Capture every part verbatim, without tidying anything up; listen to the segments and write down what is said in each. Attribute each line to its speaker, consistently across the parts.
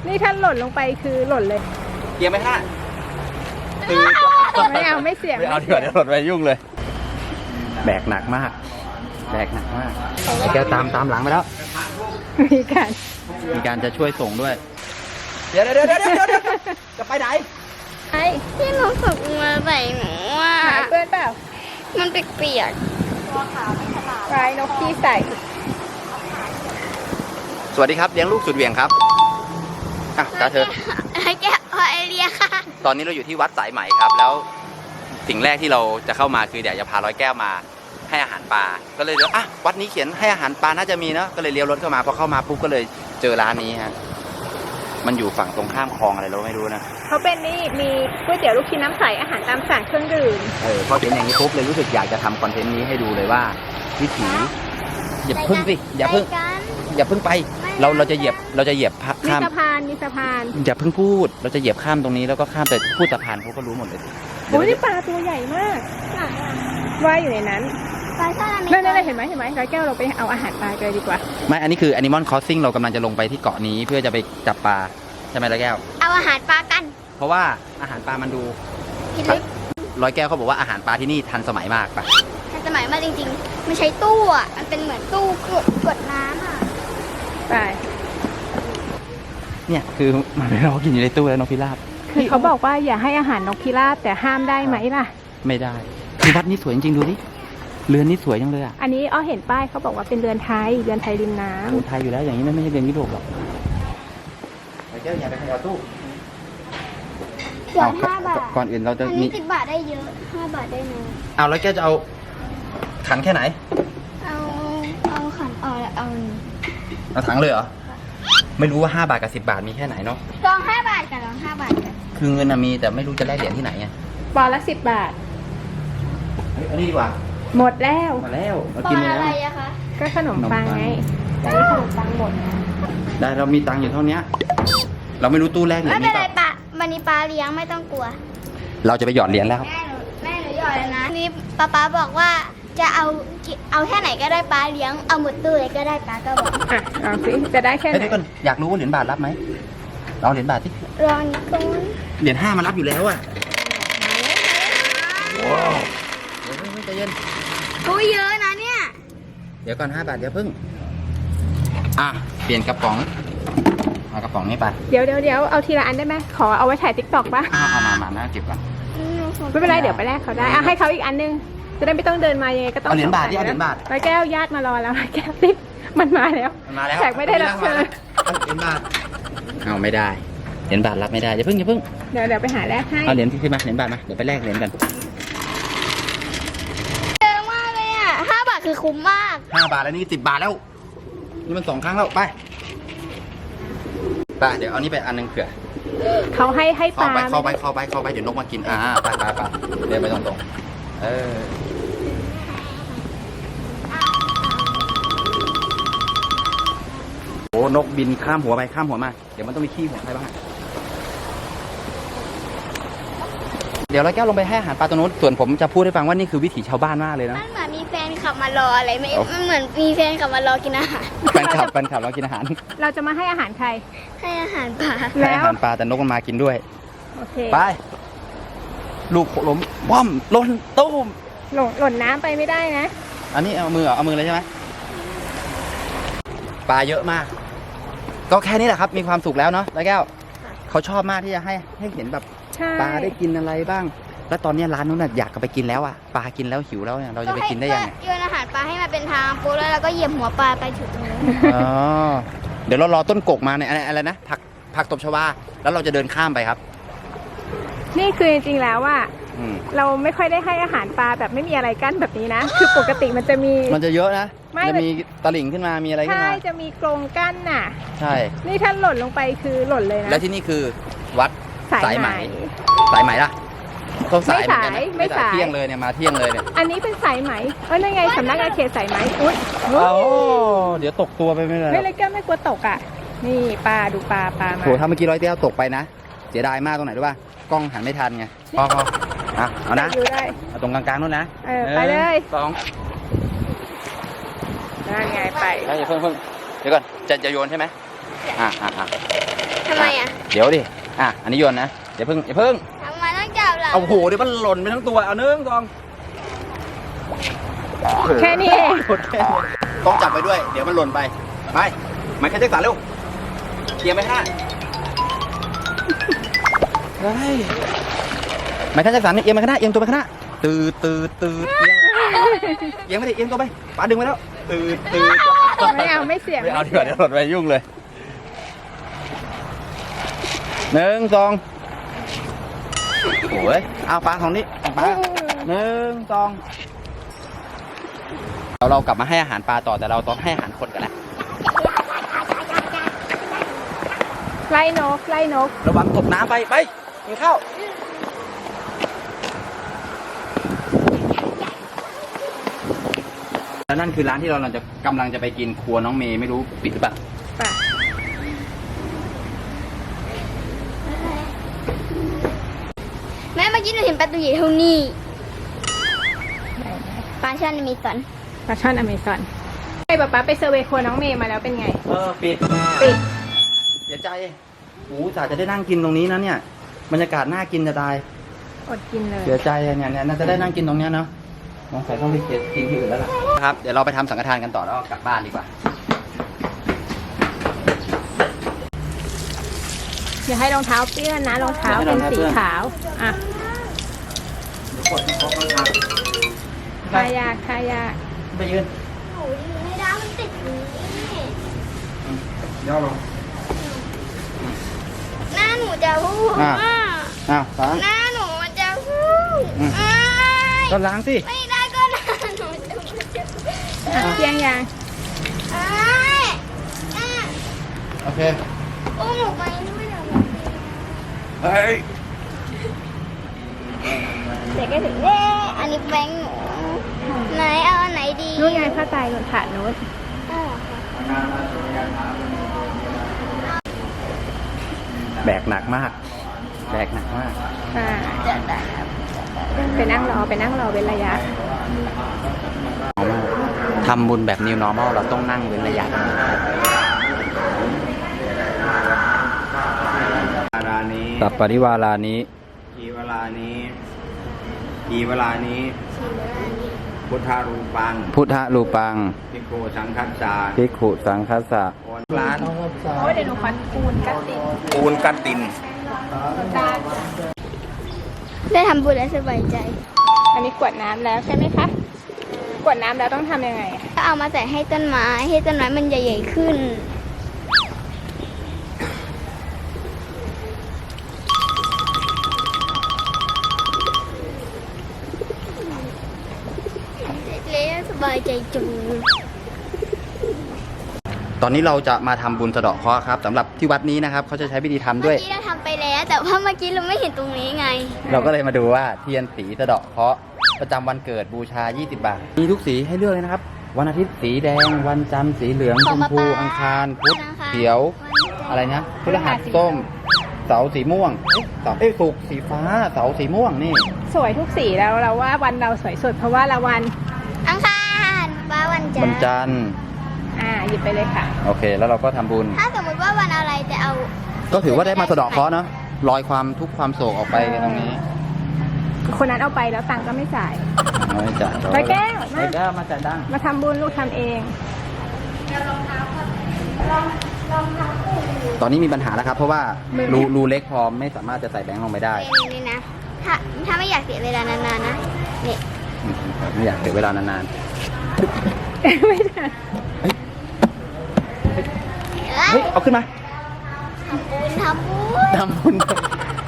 Speaker 1: นี่ถ้าหล่นลงไปคือหล่นเลย
Speaker 2: เกียร์ไหมฮะคือ
Speaker 1: ไม่เอาไม่เสี่ยง
Speaker 2: ไม่เอาดีกว่าเดี๋ยวหล่นไปยุ่งเลยแบกหนักมากแบกหนักมากแกตามตามหลังไปแล้ว
Speaker 1: มีการ
Speaker 2: มีการจะช่วยส่งด้วยเดี๋ยวเดี๋ยวเดี๋ยวเดี๋ยวจะไปไหน
Speaker 1: ไอ้
Speaker 3: ที่หนูฝึกมาใส่หนูอ่ะ
Speaker 1: หายเปื้อนเปล่า
Speaker 3: มันเปียก
Speaker 1: ปลายนกที่ใส่
Speaker 2: สวัสดีครับเลี้ยงลูกสุดเหวี่ยงครับอ่ะ
Speaker 3: ๆ
Speaker 2: ตาเธอ
Speaker 3: ให้แกพอไอเรียค่ะ
Speaker 2: ตอนนี้เราอยู่ที่วัดสายไหมครับแล้วสิ่งแรกที่เราจะเข้ามาคือเดี๋ยวจะพาร้อยแก้วมาให้อาหารปลาก็เลยเดี๋ยวอ่ะวัดนี้เขียนให้อาหารปลาน่าจะมีเนาะก็เลยเลี้ยวรถเข้ามาพอเข้ามาปุ๊บก็เลยเจอร้านนี้ฮะมันอยู่ฝั่งตรงข้ามคลองอะไรเราไม่รู้นะ
Speaker 1: เขาเป็นนี่มีก๋วยเตี๋ยวลูกชิ้นน้ำใสอาหารตามสั่งเครื่องดื่ม
Speaker 2: เออพอเห็นอย่างนี้ปุ๊บเลยรู้สึกอยากจะทำคอนเทนต์นี้ให้ดูเลยว่าวิถีอย่าพึ่งสิอย่าพึ่ง
Speaker 3: ไปกัน
Speaker 2: อย่าพึ่งไปเราเราจะเหยียบเราจะเหยียบ
Speaker 1: มี
Speaker 2: ข้าม
Speaker 1: สะพานมีสะพาน
Speaker 2: อย่าเพิ่งพูดเราจะเหยียบข้ามตรงนี้แล้วก็ข้ามแต่พูดสะพานเขาก็รู้หมดเลย
Speaker 1: โอ้ยนี่ปลาตัวใหญ่มากว่ายอยู่ในนั้น
Speaker 3: ปลาช่อน
Speaker 1: นั่นนั่นเห็นไหมเห็นไหมร้อยแก้วเราไปเอาอาหารปลากันเลยดีกว่า
Speaker 2: ไม่อันนี้คือ Animal Crossing เรากำลังจะลงไปที่เกาะนี้เพื่อจะไปจับปลาใช่ไหมร้อยแก้ว
Speaker 3: เอาอาหารปลากัน
Speaker 2: เพราะว่าอาหารปลามันดู
Speaker 3: กินลึก
Speaker 2: ร้อยแก้วเขาบอกว่าอาหารปลาที่นี่ทันสมัยมากปะ
Speaker 3: ทันสมัยมากจริงๆมันใช้ตู้อ่ะมันเป็นเหมือนตู้กดกดน้ำอ่ะ
Speaker 1: ไป
Speaker 2: เนี่ยคือมันไม่รอกินอยู่ในตู้แล้วนกพิราบ
Speaker 1: คือเขาบอกว่าอย่าให้อาหารนกพิราบแต่ห้ามได้ไหมล่ะ
Speaker 2: ไม่ได้คือวัดนี้สวยจริงๆดูดิเรือนนี้สวยจังเลยอ่ะ
Speaker 1: อันนี้อ้อเห็นป้ายเขาบอกว่าเป็นเรือนไทยเรือนไทยริมน้ำ
Speaker 2: โอ้ไทยอยู่แล้วอย่างนี้ไม่ใช่เรือนยุโรปหรอกร้อยแก้วอย่าไปขยับตู้
Speaker 3: เกือบห้าบาท
Speaker 2: ก่อนอื่นเราจะ
Speaker 3: อัน
Speaker 2: มี
Speaker 3: นี้สิบบาทได้เยอะห้าบาทได้น้อย
Speaker 2: เอาร้อยแก้วจะเอาถังแค่ไหน
Speaker 3: เอาเอาขันเอาเอา
Speaker 2: เอาถังเลยเหรอไม่รู้ว่าห้าบาทกับสิบบาทมีแค่ไหนเนาะ
Speaker 3: ลองห้าบาทกันลองห้าบาทกัน
Speaker 2: คือเงินน่ะมีแต่ไม่รู้จะแลกเหรียญที่ไหนไง
Speaker 1: ปอนละสิบบาท
Speaker 2: เฮ้ยอันนี้ดีกว่า
Speaker 1: หมดแล้ว
Speaker 2: มาแล้วเรา
Speaker 3: ป
Speaker 2: กิน
Speaker 3: อ
Speaker 2: ไป
Speaker 3: อะ
Speaker 2: แล้ว
Speaker 3: ไรอะคะ
Speaker 1: ก็ขนมปังไงแต่นี่ขนมปังหมด
Speaker 2: ได้เรามีตังค์อยู่เท่านี้เราไม่รู้ตู้แรกเหรีย
Speaker 3: ไม่
Speaker 2: ญ
Speaker 3: เป็
Speaker 2: นี้
Speaker 3: นไร
Speaker 2: ป่ะ
Speaker 3: ปะวันนี้ปลาเลี้ยงไม่ต้องกลัว
Speaker 2: เราจะไปหยอดเหรียญแล้ว
Speaker 3: แม่หนูแม่หนูหยอดแล้วนะนี่ป๊าป๊าบอกว่าจะเอาเอาแค่ไหนก็ได้ปลาเลี้ยงเอาหมดตู้เลยก็ได้ปลาก็บอก
Speaker 1: อ่ะเอาสิจะได้แค่ไห
Speaker 2: เฮ้ย
Speaker 1: น
Speaker 2: ทุกคนอยากรู้ว่าเหรียญบาทรับไหมเราเหรียญบาทที่
Speaker 3: ลองตรงนั้น
Speaker 2: เหรียญห้ามารับอยู่แล้วอ่ะว้าวเดี๋ยวเพิ่งใจเย็น
Speaker 3: กูเยอะนะเนี่ย
Speaker 2: เดี๋ยวก่อนห้าบาทเดี๋ยวเพิ่งอ่ะเปลี่ยนกระป๋องเอากระป๋องนี้ไป
Speaker 1: เดี๋ยวเดี๋ยวเดี๋ยวเอาทีละอันได้ไหมขอเอาไว้ถ่ายติ๊กต็อกปะ
Speaker 2: เอาเอามามานะเก็บก่อน
Speaker 1: ไม่เป็นไรเดี๋ยวไปแลกเขาได้อ่ะให้เขาอีกอันนึงจะได้ไม่ต้องเดินมายังไงก็ต้อง
Speaker 2: เอาเหรียญบาทดิ
Speaker 1: ส่
Speaker 2: เอา
Speaker 1: ง
Speaker 2: เหรียญบาท
Speaker 1: ร้อยแก้วญาติมารอแล้วร้อยแก้วติ๊บมันมาแล้ว
Speaker 2: มันมาแล้ว
Speaker 1: แขกไม่ได้รับเชิญ
Speaker 2: เอาเหรียญบาทเอาไม่ได้เหรียญบาทรับไม่ได้อย่าเพิ่งอย่าเพิ่ง
Speaker 1: เดี๋ยวเดี๋ยวไปหาแลกให้
Speaker 2: เอาเหรียญที่ขึ้นมาเหรียญบาทมาเดี๋ยวไปแลกเหรียญกัน
Speaker 3: เยอะมากเลยอ่ะห้าบาทคือคุ้มมาก
Speaker 2: ห้าบาทแล้วนี่สิบบาทแล้วนี่มันสองครั้งแล้วไปไปเดี๋ยวเอานี่ไปอันนึงเผื่อ
Speaker 1: เขาให้ให้ป
Speaker 2: เข้า
Speaker 1: ลา
Speaker 2: ไปเข้าไปเข้าไปเข้าไปเดี๋ยวนกมากินอ่าไปไปไปเดินไปตรงๆเออโอ้นกบินข้ามหัวไปข้ามหัวมาเดี๋ยวมันต้องมีขี้หัวใครบ้างเดี๋ยวร้อยแก้วลงไปให้อาหารปลาตัวนู้นส่วนผมจะพูดให้ฟังว่านี่คือวิถีชาวบ้านมากเลยนะ
Speaker 3: มันเหมือนมีแฟนขับมารออะไรไม่
Speaker 2: โอ้
Speaker 3: มันเหมือนมีแฟนขับมารอกินอาหาร
Speaker 2: แฟนคลับแฟนคลับเรากินอาหาร
Speaker 1: เราจะมาให้อาหารใคร
Speaker 3: ให้อาหารปลา
Speaker 2: ให้
Speaker 1: แล้ว
Speaker 2: อาหารปลาแต่นกมันมากินด้วย
Speaker 1: โอเค
Speaker 2: ไปลูกล้มว่ำหล่นตุ้ม
Speaker 1: หล่นหล่นน้ำไปไม่ได้นะ
Speaker 2: อันนี้เอามือเหรอเอามือเลยใช่ไหมปลาเยอะมาก ก็แค่นี้แหละครับมีความสุขแล้วเนาะร้อยแก้วเขาชอบมากที่จะให้ให้เห็นแบบ
Speaker 1: ใช่
Speaker 2: ปลาได้กินอะไรบ้าง แล้วตอนนี้ร้านนู้นน่ะอยากกลับไปกินแล้วอ่ะปลากินแล้วหิวแล้วเนี่ยเราจะไปกินได้ยังไง
Speaker 3: โยนอาหารปลาให้มันเป็นทางปุ๊บแล้วเราก็เหยียบหัวปลาไปถึงตรงนู้น
Speaker 2: อ๋อเดี๋ยวเรารอต้นกกมาเนี่ยอะไรอะไรนะผักผักตบชวาแล้วเราจะเดินข้ามไปครับ
Speaker 1: นี่คือจริงๆแล้วว่า
Speaker 2: อืม
Speaker 1: เราไม่ค่อยได้ให้อาหารปลาแบบไม่มีอะไรกั้นแบบนี้นะ คือปกติมันจะมี
Speaker 2: มันจะเยอะนะ
Speaker 1: ไม่
Speaker 2: จะมีตลิ่งขึ้นมามีอะไรขึ้น
Speaker 1: ใช่
Speaker 2: มา
Speaker 1: จะมีกรงกั้นน่ะ
Speaker 2: ใช่
Speaker 1: นี่ถ้าหล่นลงไปคือหล่นเลยนะ
Speaker 2: แล้วที่นี่คือวัด
Speaker 1: สาย
Speaker 2: สาย
Speaker 1: ไห
Speaker 2: ไห
Speaker 1: ม
Speaker 2: ม สายไหมล่ะต้องสายเหมือนกันนะ
Speaker 1: ไม่สาย
Speaker 2: เที่ยงเลยเนี่ยมาเที่ยงเลยเนี่ย
Speaker 1: อันนี้เป็นสายไหมเอ้ยนั่นไงสำนักงานเขตสายไหมอุ๊ย
Speaker 2: เอาเดี๋ยวตกตัวไปไม่ได้
Speaker 1: ไม่เลยแก้วไม่กลัวตกอ่ะ นี่ปลาดูปลาปลามา
Speaker 2: โหถ้าเมื่อกี้ร้อยเตี้ยวตกไปนะเสียดายมากตรงไหนรู้ป่ะกล้องหันไม่ทันไงพอพออ่ะเอานะ
Speaker 1: อยู่ได้
Speaker 2: เอาตรงกลางๆนู่นนะ
Speaker 1: เออไปเลย
Speaker 2: สอง
Speaker 1: นั่นไงไป
Speaker 2: เดี๋ยวเพิ่งเพิ่งเดี๋ยวก่อนจะจะโยนใช่ไหมอ่ะอ่ะอ่ะ
Speaker 3: ทำไมอ่ะ
Speaker 2: เดี๋ยวดิอ่ะอันนี้โยนนะอย่าเพิ่งอย่าเพิ่ง
Speaker 3: ทำไมต้องจับล่ะ
Speaker 2: เอาโหเดี๋ยวมันหล่นไปทั้งตัวเอาหนึ่งสอง
Speaker 1: แค่นี้เอง
Speaker 2: ต้องจับไปด้วยเดี๋ยวมันหล่นไปไปไมเคิลแจ็คสันเร็วเอียงไปข้างหน้าเฮ้ยไมเคิลแจ็คสันเนี่ยเอียงไปข้างหน้าเอียงตัวไปข้างหน้าตืดตืดตืดเอียงเอียงไปดิเอียงตัวไปปาดึงไปแล้วตืดตืด
Speaker 1: ไม่เอาไม่เสี่ยง
Speaker 2: ไม่เอาดีกว่าเดี๋ยวหล่นไปยุ่งเลยหนึ่งสองโอ้ยเอาปลาของนี้ปลาหนึ่งสองเราเรากลับมาให้อาหารปลาต่อแต่เราต้องให้อาหารคนกันแหละ
Speaker 1: ไล่นกไล่นก
Speaker 2: ระวังตกน้ำไปไปกินข้าวแล้วนั่นคือร้านที่เราเราจะกำลังจะไปกินครัวน้องเมย์ไม่รู้ปิดหรือเปล่า
Speaker 1: ป่ะ
Speaker 3: แม่เมื่อกี้หนูเห็นปลาตัวใหญ่เท่านี้ปลาช่อนมีสอน
Speaker 1: ปลาช่อนอเมซอนไอ้ป๊าป๊าไปเซอร์เวย์ครัวน้องเมย์มาแล้วเป็นไง
Speaker 2: เออปิด
Speaker 1: ปิด
Speaker 2: เสียใจโอ้จ่าจะได้นั่งกินตรงนี้นะเนี่ยบรรยากาศน่ากินจะตาย
Speaker 1: อดกินเลย
Speaker 2: เสียใจอะเนี่ยเนี่ยน่าจะได้นั่งกินตรงเนี้ยเนาะสงสัยต้องไปเก็บกินที่อื่นแล้วล่ะครับเดี๋ยวเราไปทำสังฆทานกันต่อแล้วกลับบ้านดีกว่า
Speaker 1: อย่าให้รองเท้าเปื้อนนะรองเท้าเป็นสีขาวอ่ะทายากทายาก
Speaker 2: ไปยืน
Speaker 3: โอ้ยไม่ได้มันติดนี้
Speaker 2: ย่อลง
Speaker 3: หน้าหนูจะพูด
Speaker 2: อ่ะ
Speaker 3: ว่า
Speaker 2: อ้าวล้าง
Speaker 3: หน้าหนูมันจะพูด
Speaker 2: อืม
Speaker 3: อ้าย
Speaker 2: ก็ล้างสิ
Speaker 3: ไม่ได้ก็หน้าหนูจะพูด
Speaker 1: อ่ะเพียงยาง
Speaker 3: อ้ายอ่ะ
Speaker 2: โอเค
Speaker 3: อุ้มหนูไปด้วยเดี๋ยว
Speaker 2: เฮ้ย
Speaker 3: เด็กก็ถึงเอ๊ะอันนี้แบงค์หนูไหนเอาอันไหนดี
Speaker 1: นู่นไงผ้าไตรหนุนถาดนู้น
Speaker 3: อ้าว
Speaker 2: แบกหนักมาก แบกหนักมาก
Speaker 1: อ่า
Speaker 3: จะได้ครับ
Speaker 1: ไปนั่งรอไปนั่งรอเป็นระยะ
Speaker 2: ทำบุญแบบ new normal เราต้องนั่งเว้นระยะ
Speaker 4: เวลานี้
Speaker 2: สัปปริวารานี้
Speaker 4: ทีเวลานี้ทีเวลานี้ พุทธารูปัง
Speaker 2: พุทธรูปัง
Speaker 4: พิโกสังคัสสา
Speaker 2: ภิกขุสังคัสสะ
Speaker 4: โอนร้าน
Speaker 1: โอ้ยเดี๋ยวหนูขอปูนกัดติด
Speaker 4: ปูนกัดติน
Speaker 3: ได้ทำบุญแล้วสบายใจ
Speaker 1: อันนี้กวดน้ำแล้วใช่ไหมคะกวดน้ำแล้วต้องทำยังไง
Speaker 3: ก็เอามาใส่ให้ต้นไม้ให้ต้นไม้มันใหญ่ๆขึ้นเละสบายใจจัง
Speaker 2: ตอนนี้เราจะมาทำบุญสะเดาะเคราะห์ครับสำหรับที่วัดนี้นะครับเขาจะใช้วิธีทำด้
Speaker 3: เมื่
Speaker 2: วย
Speaker 3: อกี้เราทำไปแล้ว แต่ว่าเมื่อกี้เราไม่เห็นตรงนี้ไง
Speaker 2: เราก็เลยมาดูว่าเทียนสีสะเดาะเคราะห์ประจำวันเกิดบูชา ยี่สิบบาท มีทุกสีให้เลือกเลยนะครับ วันอาทิตย์สีแดง วันจันทร์สีเหลือง
Speaker 3: ข
Speaker 2: ช
Speaker 3: อง
Speaker 2: ม
Speaker 3: ป๊า
Speaker 2: พู
Speaker 3: ป๊า
Speaker 2: อังคารพุธ
Speaker 3: วันอังคาร
Speaker 2: เขียว อะไรนะพฤหัสส้ม เสาร์สีม่วง เอ๊ะเสาร์เอ้ยศุกร์สีฟ้า เสาร์สีม่วงนี่
Speaker 1: สวยทุกสีแล้วเราว่าวันเราสวยสุดเพราะว่าละวัน
Speaker 3: อังคารป้าวันจั
Speaker 2: วัน น
Speaker 3: ทร์
Speaker 2: จันทร์
Speaker 1: อ่าหยิบไปเลยค่ะ
Speaker 2: โอเค แล้วเราก็ทำบุญ
Speaker 3: ถ้าสมมติว่าวันอะไรจะเอา
Speaker 2: ก็ถือว่าได้มาสะเดาะเคราะห์เนาะลอยความทุกข์ความโศกออกไปตรงนี้
Speaker 1: คนนั้นเอาไปแล้วตังค์ก็ไม่จ่าย
Speaker 2: ไม่จ่าย
Speaker 1: ร้อยแก้วมา
Speaker 2: ร้อยแก้วมาจ่ายดัง
Speaker 1: มาทำบุญลูกทำเอง
Speaker 2: ตอนนี้มีปัญหาแล้วครับ เพราะว่ารูรูเล็กพอไม่สามารถจะใส่แบงค์ลงไปได้
Speaker 3: นี่นี่นะ ถ้าถ้าไม่อยากเสียเวลานานๆนะนี่
Speaker 2: อืมไม่อยากเสียเวลานาน
Speaker 1: ไม่ได้
Speaker 2: ๆ เฮ้ย เอาขึ้นมา
Speaker 3: ทำบุญทำบุญ
Speaker 2: ทำบุญ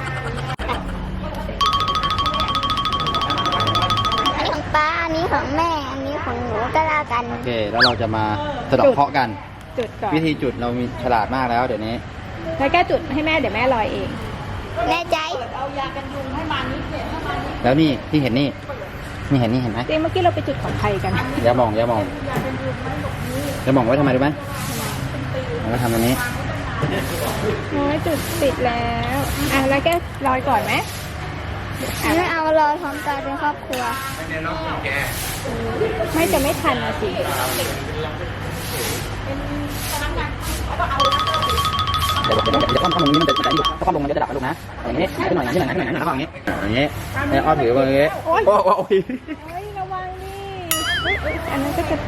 Speaker 3: อันนี้ของป้า อันนี้ของแม่ อันนี้ของหนูก็แล้วกัน
Speaker 2: โอเค แล้วเราจะมาสะเดาะเคราะห์กัน
Speaker 1: จุดก่อน
Speaker 2: วิธีจุดเรามีฉลาดมากแล้วเดี๋ยวนี้
Speaker 1: แล้วแก้จุดให้แม่เดี๋ยวแม่ลอยเอง
Speaker 3: แน่ใจ
Speaker 2: แล้วนี่ที่เห็นนี่ นี่เห็นนี่เห็นไหม
Speaker 1: จริงเมื่อกี้เราไปจุดของใครกัน
Speaker 2: อย่ามองอย่ามองอย่ามองไว้ทำไมรู้ไหมเอาไว้ทำตรงนี้
Speaker 1: โอ้ยจุดติดแล้ว อ่ะแล้วแกลอยก่อนไหม
Speaker 3: ไม่เอารอพร้อมกันเป็นครอบครัว
Speaker 1: ไม่จะไม่ทันนะสิ
Speaker 2: เดี๋ยวเดี๋ยวเดี๋ยวคว่ำคว่ำลงนี้มันจะจะอีกถ้าคว่ำลงมันจะดับนะลูกนะอย่างนี้ขึ้นหน่อยอย่างนี้หน่อยขึ้นหน่อยแล้วก็อย่างนี้อย่างนี้เนี่ยอ้อถือมาอย่างนี้โอ้โห
Speaker 1: เฮ้ยระวังดิเฮ้ยเฮ้ยอันนั้นก็จะ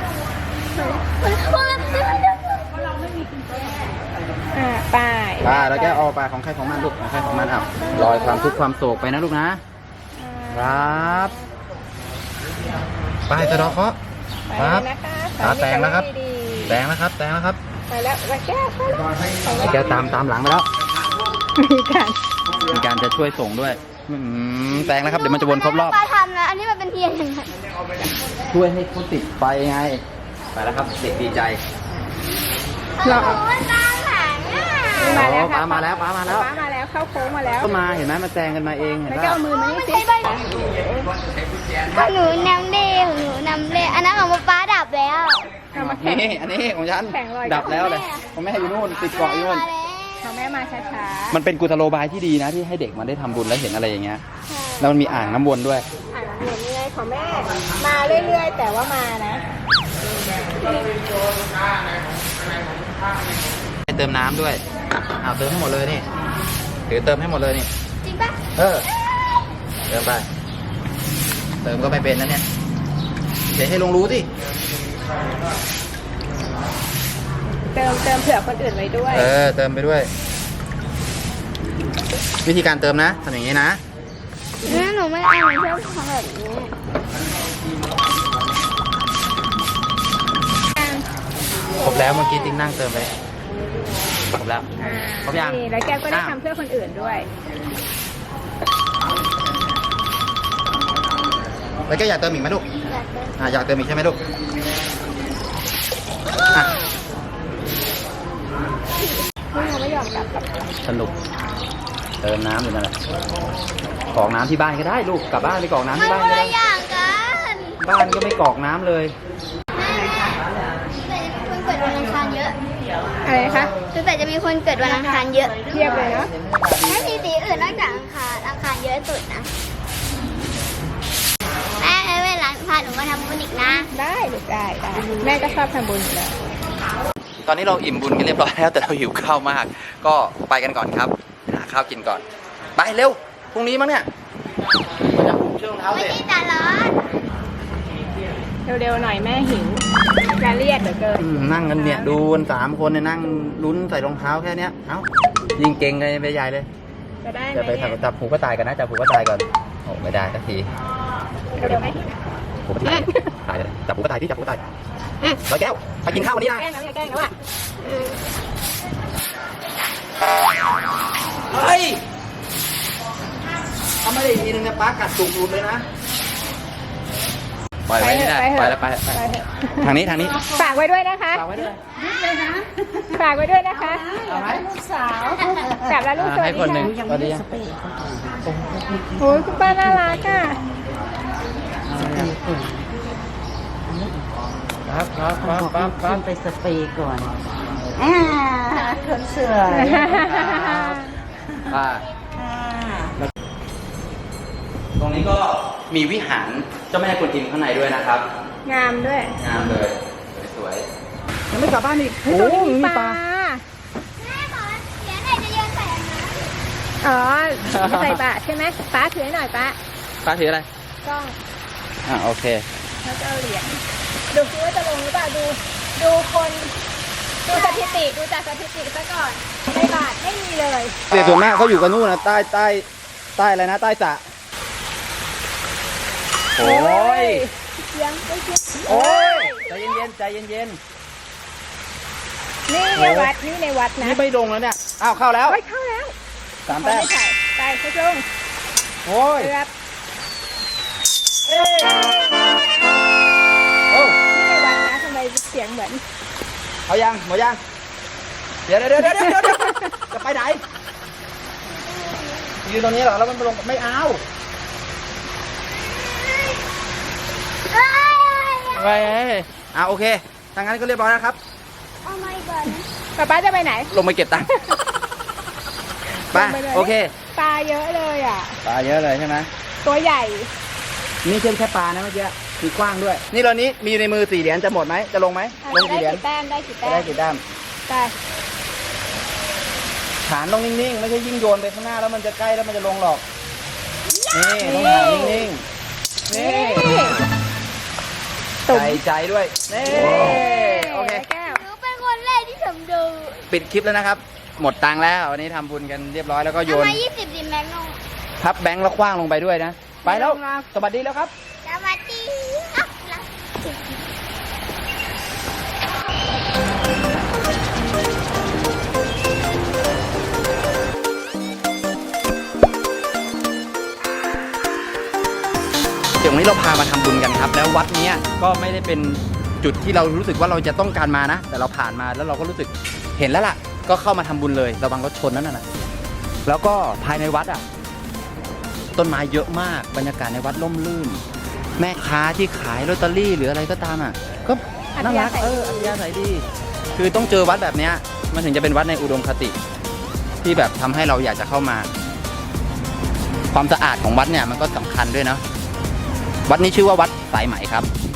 Speaker 1: อ่าไป
Speaker 2: ไปแล้วแกเอาไปของใครของมันลูกของใครของมันอ่ะลอยความทุกข์ความโศกไปนะลูกนะครับไปสะดอกเคราะห์
Speaker 1: ไปแล้วนะคะ
Speaker 2: ครับแตงแล้วครับ
Speaker 1: ดีๆ
Speaker 2: แตงแล้วครับแตงแล้วครับ
Speaker 1: ไปแล้วแล้วแก้วไป
Speaker 2: แกตามตามหลังไปแล้ว
Speaker 1: มีการ
Speaker 2: มีการจะช่วยส่งด้วยอืมแตงแล้วครับเดี๋ยวมันจะวนครบรอบ
Speaker 3: ปลาทำนะอันนี้มันเป็นเทียนยังไง
Speaker 2: ช่วยให้เขาติดไฟไงไปแล้วครับเด็กดีใจ
Speaker 1: รอ
Speaker 3: โอ้ยตามหลังอ่ะ
Speaker 1: มาแล้ว
Speaker 2: ป้ามาแล้วป้ามาแล้ว
Speaker 1: ป้ามาแล้วเข้าโค้งมาแล้ว
Speaker 2: ก็มาเห็นไหมมาแซงกันมาเองเห็น
Speaker 1: แล้ว
Speaker 2: ป่ะ
Speaker 1: ก็เอามือมานี่สิ
Speaker 3: ของหนูนำเล่ของหนูนำเล่อันนั้นของป๊าดับแล้ว
Speaker 1: เอามาแข่ง
Speaker 2: นี่อันนี้ของฉัน
Speaker 1: แข่งลอย
Speaker 2: ดับแล้วเลยของแม่อยู่นู่นติดเกาะอยู่นู่น
Speaker 1: ของแม่มาช้า
Speaker 2: มันเป็นกุศโลบายที่ดีนะที่ให้เด็กมันได้ทำบุญแล้วเห็นอะไรอย่างเงี้ยแล้วมันมีอ่างน้ำวนด้วย
Speaker 1: ๆอ่านเหมือนยังไงของแม่มาเรื่อยๆแต่ว่ามานะ
Speaker 2: ให้เติมน้ำด้วยอ้าวเติมให้หมดเลยนี่ถือเติมให้หมดเลยนี่
Speaker 3: จริงปะ
Speaker 2: เออเติมไปเติมก็ไม่เป็นนะเนี่ยเดี๋ยวให้ลงรู้สิ
Speaker 1: เติมเติมเผื่อคนอื่นไว้ด้วย
Speaker 2: เออเติมไปด้วย วิธีการเติมนะทำอย่างนี้นะ
Speaker 3: งั้นหนูไม่เอาหนูชอบทำแบบนี้
Speaker 2: ครบแล้วเมื่อกี้ติ๊งนั่งเติมไปครบแล้ว
Speaker 1: อ่า
Speaker 2: ครบยัง
Speaker 1: นี่แล้วแกก็ได้
Speaker 2: อ้าว
Speaker 1: ทำเพื่อคนอื่นด้วย
Speaker 2: แล้วก็อยากเติมอีกไหมลูก
Speaker 3: อยากเติม
Speaker 2: อ่ะอยากเติมอีกใช่ไหมลูกอ่ะ
Speaker 1: นี่เราไม่ยอมกลับกับ
Speaker 2: สนุกเติมน้ำอยู่นั่นแหละกรอกน้ำที่บ้านก็ได้ลูกกลับบ้านไปกรอกน้ำ
Speaker 3: มัน
Speaker 2: ที่บ้าน
Speaker 3: คน
Speaker 2: ก็ได้
Speaker 3: ละอย่างกัน
Speaker 2: บ้านก็ไม่กรอกน้ำเลย
Speaker 3: คนเกิดวันอังคารเยอะ
Speaker 1: อะไรคะ
Speaker 3: คือแต่จะมีคนเกิดวันอังคารเยอะ
Speaker 1: เทียบเลยเนาะ
Speaker 3: ไม่มีสีอื่นนอกจากอังคารอังคารเยอะสุดนะแม่เวลาพาหนูมาทำบุญอีกนะ
Speaker 1: ได้ลูกได้ได้แม่ก็ชอบทำบุญอยู่แล้ว
Speaker 2: ตอนนี้เราอิ่มบุญกันเรียบร้อยแล้วแต่เราหิวข้าวมาก ก็ไปกันก่อนครับหาข้าวกินก่อนไปเร็วพรุ่งนี้มั้งเนี่ยมันจะปลุกเชือกรองเท้า
Speaker 3: ไม่
Speaker 2: เสร็จ
Speaker 3: ใช่ตาร้อน
Speaker 1: เร็วๆหน่อยแม่หิวจะเรียดเหลือเกิน
Speaker 2: อืมนั่งกันเนี่ยดูกันสามคนเนี่ยนั่งลุ้นใส่รองเท้าแค่เนี้ยเอ้ายิงเก่งเลยไปใหญ่เลย
Speaker 1: จะได้ไหม
Speaker 2: จะไป
Speaker 1: เนี่ย
Speaker 2: จับผูก็ตายกันนะจับผูก็ตายก่อนโอ้ไม่ได้สักที
Speaker 1: เร็วๆไหม
Speaker 2: ผูก็ตายตายเลยจับผูก็ตายที่จับผูก็ตายร้อยแก้วไปกินข้าววันนี้นะ
Speaker 1: แกล้งแล้วอย่าแกล้งแล้วอ่ะ
Speaker 2: เฮ้ยทำไม่ได้ทีนึงนะป้ากัดจุกหลุดเลยนะปล่อยไว้นี่ได้ไปแล้วไปไปทางนี้ทางนี้
Speaker 1: ฝากไว้ด้วยนะคะ
Speaker 2: ฝากไว้ด้วย
Speaker 1: ฝากไว้ด้วยนะคะ
Speaker 2: เอาไหม
Speaker 1: กลับแล้วลูกสวัส
Speaker 2: ให้
Speaker 1: ดี
Speaker 2: คนหนึ่ง
Speaker 1: ค่ะ
Speaker 2: สวัสดี
Speaker 1: โอ้ยคุณป้าน่ารักอ่ะ
Speaker 2: ครับครับครับครับครั
Speaker 5: ขึ้
Speaker 2: บ
Speaker 5: นไปสเปรย์ก่อนอ่าคนสวย
Speaker 2: อ่า
Speaker 5: อ่า
Speaker 2: ตรงนี้ก็มีวิหารเจ้าแม่กวนอิมข้างในด้วยนะครับ
Speaker 1: งามด้วย
Speaker 2: งามเลยสวยๆยังไม่กลับบ้านอีก
Speaker 1: เฮ้ยตรงนี้มีปลา
Speaker 3: แม่ขอเสียหน่อยจะโยนใส่อันนั้น
Speaker 1: อ๋อใส่บาตรใช่ไหมป้าถือให้หน่อยป้า
Speaker 2: ป้าถืออะไร
Speaker 1: กล้อง
Speaker 2: อ่าโอเค
Speaker 1: แล้วจะเอาเหรียญดูซิว่าจะลงหรือเปล่าดูดูคนดูสถิติดูจากสถิติซะก่อนในบาทไม่มีเลย
Speaker 2: เสียส่วนมากเขาอยู่กันนู่นนะใต้ใต้ใต้อะไรนะใต้สระโอ้ย
Speaker 1: เสียงไม่เสียง
Speaker 2: โอ้ยใจเย็นๆใจเย็น
Speaker 1: นี่ในวัดนี่ในวัด
Speaker 2: ๆ
Speaker 1: นะ
Speaker 2: นี่ไม่ลงแล้วเนี่ยอ้าวเข้าแล้ว
Speaker 1: โอ้ยเข้าแล้ว
Speaker 2: สาม
Speaker 1: เขา
Speaker 2: แต้ม
Speaker 1: ไม่ใส่ไปเขาลง
Speaker 2: โอ้ย
Speaker 1: เกือบ
Speaker 2: เอ้ยโอ้
Speaker 1: นี่ในวัดนะทำไมเสียงเหมือน
Speaker 2: เอายังหมดยังเดี๋ยวเดี๋ยวเดี๋ยวเดี๋ยวเดี๋ยวจะไปไหนยืนตรงนี้เหรอแล้วมันลงไม่เอา
Speaker 3: เอ้ย
Speaker 2: ไปอ่าโอเคทางนั้นก็เรียบร้อยแล้วครับ
Speaker 3: โอ้ my god
Speaker 1: ป๊าป๊าจะไปไหน
Speaker 2: ลงไปเก็บตังค์ไป
Speaker 1: ลงไปเลย
Speaker 2: โอเค
Speaker 1: ปลาเยอะเลยอ่ะ
Speaker 2: ปลาเยอะเลยใช่ไหม
Speaker 1: ตัวใหญ่
Speaker 2: นี่เช่นแค่ปลานะเมื่อกี้คือกว้างด้วย นี่เรานี้มีในมือสี่เหรียญจะหมดไหมจะลงไหม
Speaker 1: อ่ะ
Speaker 2: ลง
Speaker 1: ได้
Speaker 2: กี่เหรียญ
Speaker 1: กี่แต้มได้กี่
Speaker 2: จะ
Speaker 1: แต้
Speaker 2: ได้
Speaker 1: ม
Speaker 2: กี่ด้าม
Speaker 1: ไป
Speaker 2: ฐานต้องนิ่งๆไม่ใช่ยิ่งโยนไปข้างหน้าแล้วมันจะใกล้แล้วมันจะลงหรอกนี่ต้องฐานนิ่งๆนี่ใจใจด้วยนี่โอเค
Speaker 1: แก้ว
Speaker 3: หนูเป็นคนแรกที่ทำดู
Speaker 2: ปิดคลิปแล้วนะครับ หมดตังค์แล้ววันนี้ทำบุญกันเรียบร้อยแล้วก็โย
Speaker 3: ทำ
Speaker 2: น
Speaker 3: ไมยี่สิบดิแม็กนง
Speaker 2: พับแบงค์แล้วคว้างลงไปด้วยนะ ไปแล้วสวัสดีแล้วครับ
Speaker 3: สวัสดีครับ
Speaker 2: เดี๋ยววันนี้เราพามาทำบุญกันครับ แล้ววัดเนี้ยก็ไม่ได้เป็นจุดที่เรารู้สึกว่าเราจะต้องการมานะ แต่เราผ่านมาแล้วเราก็รู้สึกเห็นแล้วล่ะ ก็เข้ามาทำบุญเลยระวังรถชนนั่นน่ะแล้วก็ภายในวัดอ่ะต้นไม้เยอะมากบรรยากาศในวัดร่มรื่น แม่ค้าที่ขายลอตเตอรี่หรืออะไรก็ตามอ่ะก็น่ารักเอออัธยาศัยดี คือต้องเจอวัดแบบเนี้ยมันถึงจะเป็นวัดในอุดมคติ ที่แบบทำให้เราอยากจะเข้ามา ความสะอาดของวัดเนี่ยมันก็สำคัญด้วยเนาะวัดนี้ชื่อว่าวัดสายไหมครับ